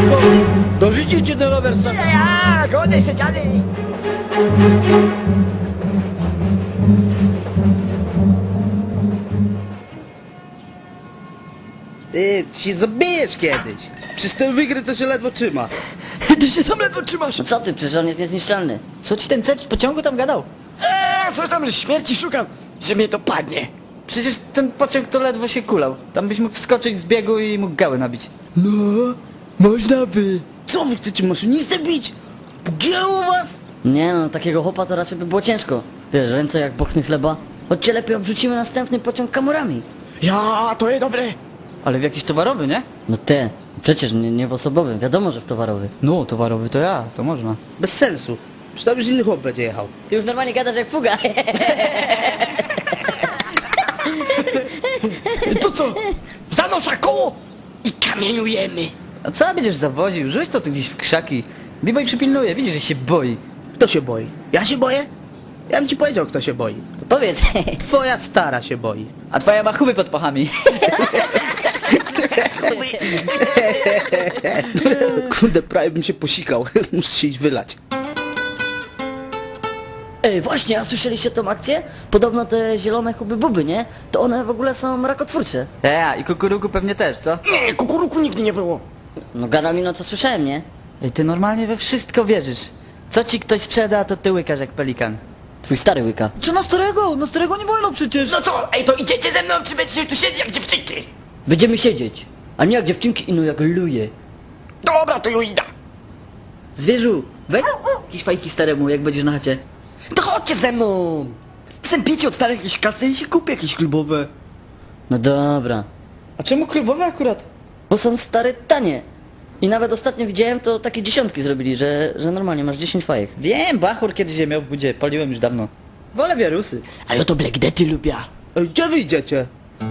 szybko! Dorzucicie ten rower sam. Ja, godaj się, dziadek! Ty się zabijesz kiedyś. Przecież ten wygry to się ledwo trzyma. Ty się tam ledwo trzymasz! No co ty, przecież on jest niezniszczalny. Co ci ten cep w pociągu tam gadał? Coś tam, że śmierci szukam, że mnie to padnie. Przecież ten pociąg to ledwo się kulał. Tam byś mógł wskoczyć z biegu i mógł gały nabić. No, można by. Co wy chcecie maszynistę bić? Pogięło was? Nie no, takiego chłopa to raczej by było ciężko. Wiesz, ręce jak bochny chleba. Chodźcie lepiej obrzucimy następny pociąg kamurami. Ja, to jest dobre. Ale w jakiś towarowy, nie? No te, przecież nie w osobowym, wiadomo, że w towarowy. No, towarowy to ja, to można. Bez sensu. Przecież tam już inny chłop będzie jechał. Ty już normalnie gadasz jak fuga. To co? Zanosza koło i kamieniujemy. A co będziesz zawoził? Rzuć to tu gdzieś w krzaki. Biboj przypilnuje, widzisz, że się boi. Kto się boi? Ja się boję? Ja bym ci powiedział, kto się boi. To powiedz. Twoja stara się boi. A twoja ma chuby pod pachami. Kurde, prawie bym się posikał. Muszę się iść wylać. Ej, właśnie, a słyszeliście tą akcję? Podobno te zielone huby-buby, nie? To one w ogóle są rakotwórcze. I kukuruku pewnie też, co? Nie, kukuruku nigdy nie było. No gada mi no co słyszałem, nie? Ej, ty normalnie we wszystko wierzysz. Co ci ktoś sprzeda, to ty łykasz jak pelikan. Twój stary łyka. Co na starego? Na starego nie wolno przecież. No co, ej, to idziecie ze mną, czy będziecie tu siedzieć jak dziewczynki? Będziemy siedzieć. A nie jak dziewczynki ino jak luje. Dobra, to już idę. Zwierzu, weź jakieś fajki staremu, jak będziesz na chacie. To chodźcie ze mną. Chcę pić od starych jakieś kasy i się kupię jakieś klubowe. No dobra. A czemu klubowe akurat? Bo są stare tanie. I nawet ostatnio widziałem, to takie dziesiątki zrobili, że normalnie masz 10 fajek. Wiem, Bachur kiedyś je miał w budzie, paliłem już dawno. Wolę wirusy. A ja to Black Dety lubię. Ej, gdzie wy idziecie?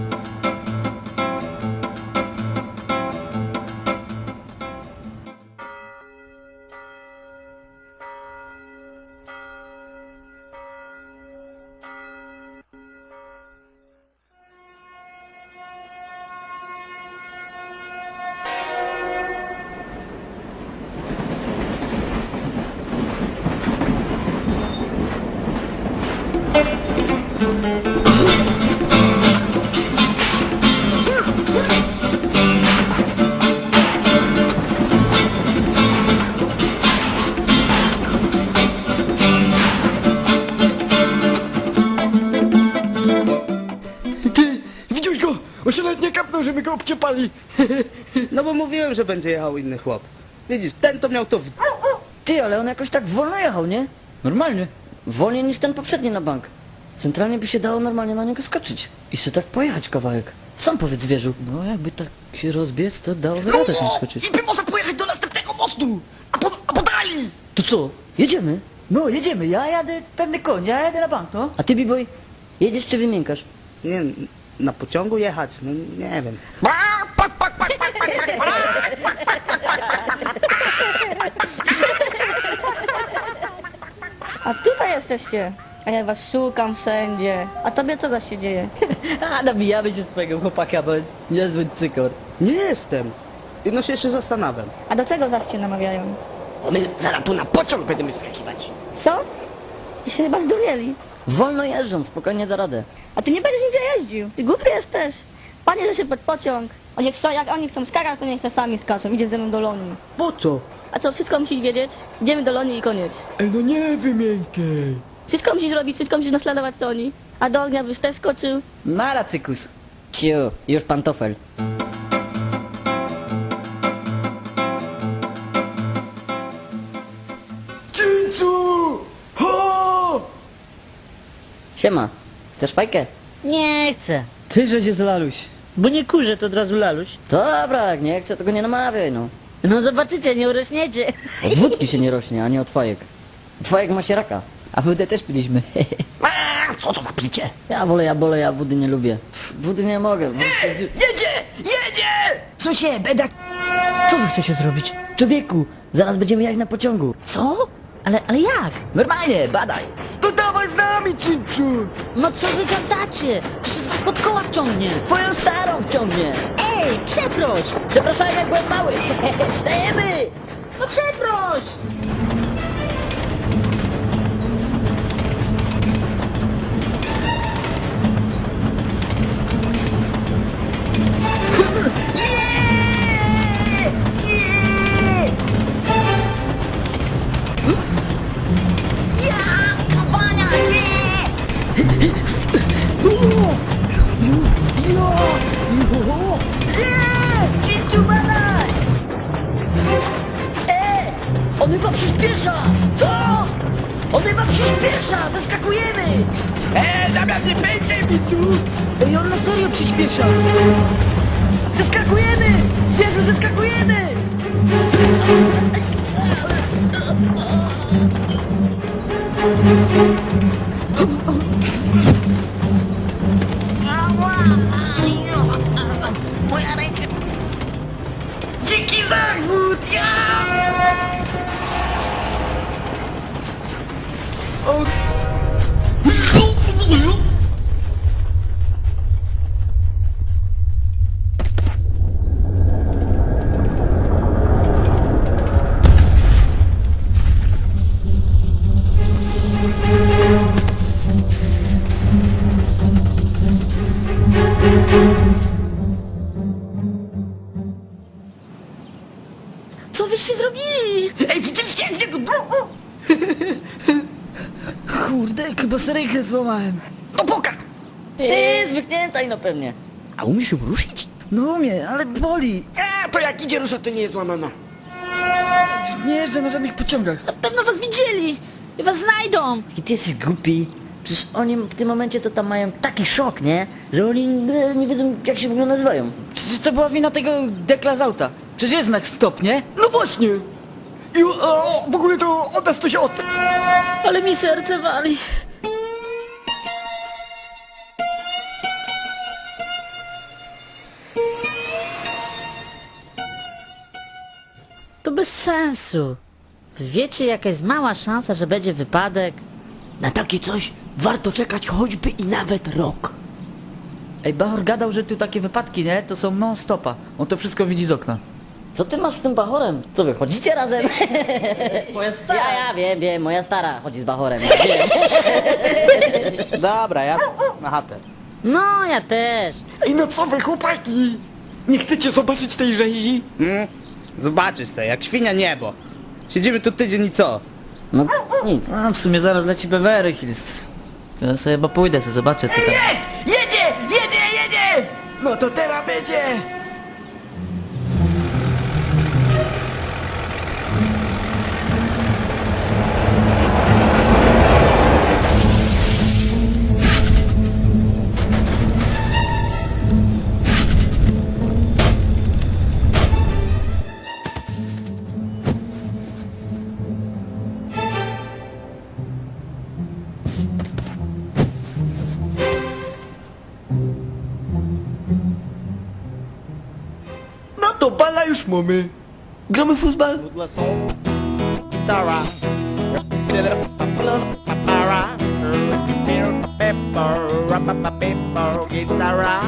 Ty, widziałeś go? On się nawet nie kapnął, że my go obciepali. No bo mówiłem, że będzie jechał inny chłop. Widzisz, ten to miał to w... Ty, ale on jakoś tak wolno jechał, nie? Normalnie. Wolniej niż ten poprzedni na bank. Centralnie by się dało normalnie na niego skoczyć. I sobie tak pojechać kawałek. Sam powiedz zwierzu. No jakby tak się rozbiec, to dałoby radę tam skoczyć. I by może pojechać do następnego mostu. A po dali. To co? Jedziemy? No jedziemy, ja jadę pewny koń, ja jadę na bank, no. A ty, B-boy, jedziesz czy wymiękasz? Nie, na pociągu jechać? No nie wiem. A tutaj jesteście. A ja was szukam wszędzie. A tobie co zaś się dzieje? A nabijamy się z twojego chłopaka, bo jest niezły cykor. Nie jestem. No się jeszcze zastanawiam. A do czego zaś cię namawiają? My zaraz tu na pociąg będziemy skakiwać. Co? Ty się chyba zdurnieli. Wolno jeżdżą, spokojnie da radę. A ty nie będziesz nigdzie jeździł. Ty głupi jesteś. Panie, że się pod pociąg. Oni chcą, jak oni chcą skakać, to niech se sami skaczą. Idzie ze mną do Lonii. Po co? A co, wszystko musisz wiedzieć? Idziemy do Lonii i koniec. Ej, no nie wymiękaj. Wszystko musisz robić, wszystko musisz naśladować co oni. A do ognia byś też skoczył. Mara cykus. Ciu, już pantofel. Czyńcu! Ho! Siema, chcesz fajkę? Nie chcę, Ty, że się z laluś. bo nie kurzę, to od razu laluś. Dobra, jak nie chcę, to go nie namawiaj, no. No zobaczycie, nie urośniecie. Od wódki się nie rośnie, a nie od fajek. Od fajek ma się raka. A wódę też piliśmy. Co to za picie? Ja wolę, ja wody nie lubię. Wody nie mogę. Jedzie! Jedzie! Słuchajcie, beda... Co wy chcecie zrobić? Człowieku, zaraz będziemy jechać na pociągu. Co? Ale jak? Normalnie, badaj. To dawaj z nami, Cinczu! No co wy gadacie? Przecież was pod koła ciągnie. Twoją starą wciągnie. Ej, przeproś! Przepraszam, jak byłem mały. Dajemy! No przeproś! Cinciu, badaj! On chyba przyspiesza! Co? On chyba przyspiesza! Zaskakujemy! Damian, nie pękaj mi tu! Ej, on na serio przyspiesza. Zaskakujemy! Zwierzę, zaskakujemy! Moja ręka. Dziki zachód! Co wyście zrobili? Ej, widzieliście jak niego? Kurde, chyba sobie rękę złamałem. No poka! Zwyknięta i no pewnie. A umiesz ją ruszyć? No umiem, ale boli. To jak idzie rusza, to nie jest złamana. Nie jeżdżę na żadnych pociągach. Na pewno was widzieli. I was znajdą. I ty jesteś głupi. Przecież oni w tym momencie to tam mają taki szok, nie? Że oni nie wiedzą, jak się w ogóle nazywają. Przecież to była wina tego dekla z auta. Przecież jest znak stop, nie? No właśnie! I w ogóle to od nas to się od... Ale mi serce wali. To bez sensu. Wy wiecie, jaka jest mała szansa, że będzie wypadek? Na takie coś warto czekać choćby i nawet rok. Ej, Bachor gadał, że tu takie wypadki, nie? To są non-stopa. On to wszystko widzi z okna. Co ty masz z tym Bachorem? Co wy, chodzicie razem? Moja stara. Ja wiem, moja stara chodzi z Bachorem. Ja wiem. Dobra, ja na chatę. No, ja też. Ej, no co wy, chłopaki? Nie chcecie zobaczyć tej rzezi? Zobaczysz se, jak świnia niebo. Siedzimy tu tydzień i co? No nic. A, w sumie zaraz leci Beverly Hills. Ja sobie chyba pójdę, sobie zobaczę, co tam. Jest! Jedzie! No to teraz będzie! No to bala już mamy. Gramy w futbol? Pudła są gitara. Gitara.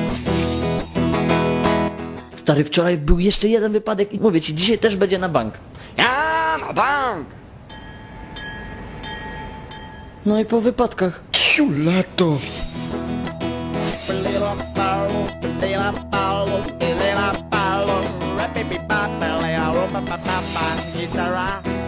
Stary, wczoraj był jeszcze jeden wypadek i mówię ci, dzisiaj też będzie na bank. Ja, na bank! No i po wypadkach. Lato. Gitara.